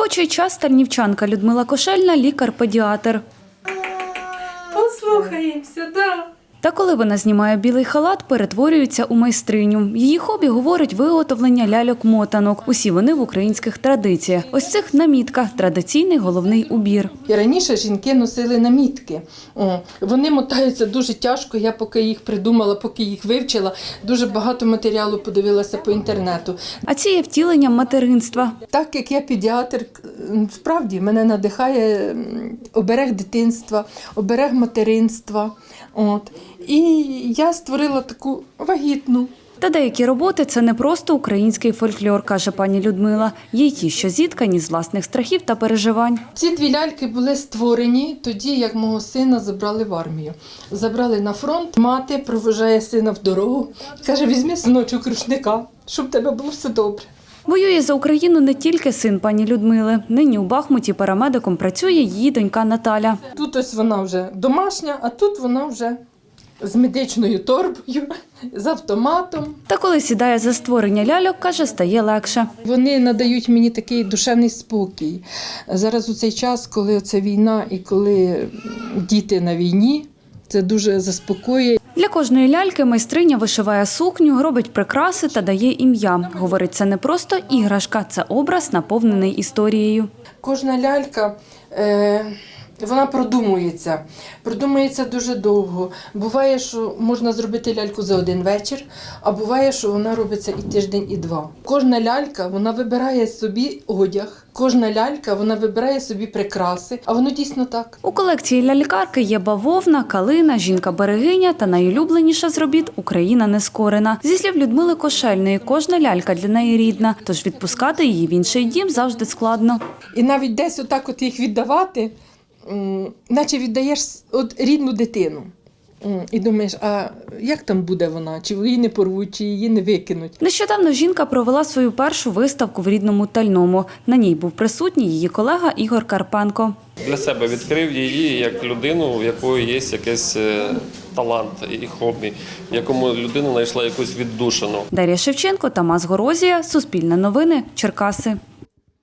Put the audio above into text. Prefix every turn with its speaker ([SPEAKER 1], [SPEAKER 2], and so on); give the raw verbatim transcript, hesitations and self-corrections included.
[SPEAKER 1] робочий час тальнівчанка Людмила Кошельна – лікар-педіатр.
[SPEAKER 2] Послухаємося, да.
[SPEAKER 1] Та коли вона знімає білий халат, перетворюється у майстриню. Її хобі, говорить, виготовлення ляльок-мотанок. Усі вони в українських традиціях. Ось цих намітка – традиційний головний убір.
[SPEAKER 2] І раніше жінки носили намітки. О, вони мотаються дуже тяжко, я поки їх придумала, поки їх вивчила, дуже багато матеріалу подивилася по інтернету.
[SPEAKER 1] А ці є втіленням материнства.
[SPEAKER 2] Так як я педіатр, справді мене надихає оберег дитинства, оберег материнства. От. І я створила таку вагітну.
[SPEAKER 1] Та деякі роботи – це не просто український фольклор, каже пані Людмила. Є й ті, що зіткані з власних страхів та переживань.
[SPEAKER 2] Ці дві ляльки були створені тоді, як мого сина забрали в армію. Забрали на фронт. Мати провожає сина в дорогу. Каже, візьми, синочок, рушника, щоб в тебе було все добре.
[SPEAKER 1] Воює за Україну не тільки син пані Людмили. Нині у Бахмуті парамедиком працює її донька Наталя.
[SPEAKER 2] Тут ось вона вже домашня, а тут вона вже з медичною торбою, з автоматом.
[SPEAKER 1] Та коли сідає за створення ляльок, каже, стає легше.
[SPEAKER 2] Вони надають мені такий душевний спокій. Зараз у цей час, коли це війна і коли діти на війні, це дуже заспокоює.
[SPEAKER 1] Для кожної ляльки майстриня вишиває сукню, робить прикраси та дає ім'я. Говорить, це не просто іграшка, це образ, наповнений історією.
[SPEAKER 2] Кожна лялька, е, вона продумується. Продумується дуже довго. Буває, що можна зробити ляльку за один вечір, а буває, що вона робиться і тиждень, і два. Кожна лялька, вона вибирає собі одяг. Кожна лялька, вона вибирає собі прикраси, а воно дійсно так.
[SPEAKER 1] У колекції лялькарки є бавовна, калина, жінка-берегиня та найулюбленіша з робіт – Україна нескорена. Зі слів Людмили Кошельної, кожна лялька для неї рідна, тож відпускати її в інший дім завжди складно.
[SPEAKER 2] І навіть десь отак от їх віддавати, наче віддаєш от рідну дитину. І думаєш, а як там буде вона? Чи її не порвуть, чи її не викинуть?
[SPEAKER 1] Нещодавно жінка провела свою першу виставку в рідному Тальному. На ній був присутній її колега Ігор Карпенко.
[SPEAKER 3] Для себе відкрив її як людину, у якої є якийсь талант і хобі, в якому людина знайшла якусь віддушину.
[SPEAKER 1] Дар'я Шевченко, Тамас Горозія, Суспільне новини, Черкаси.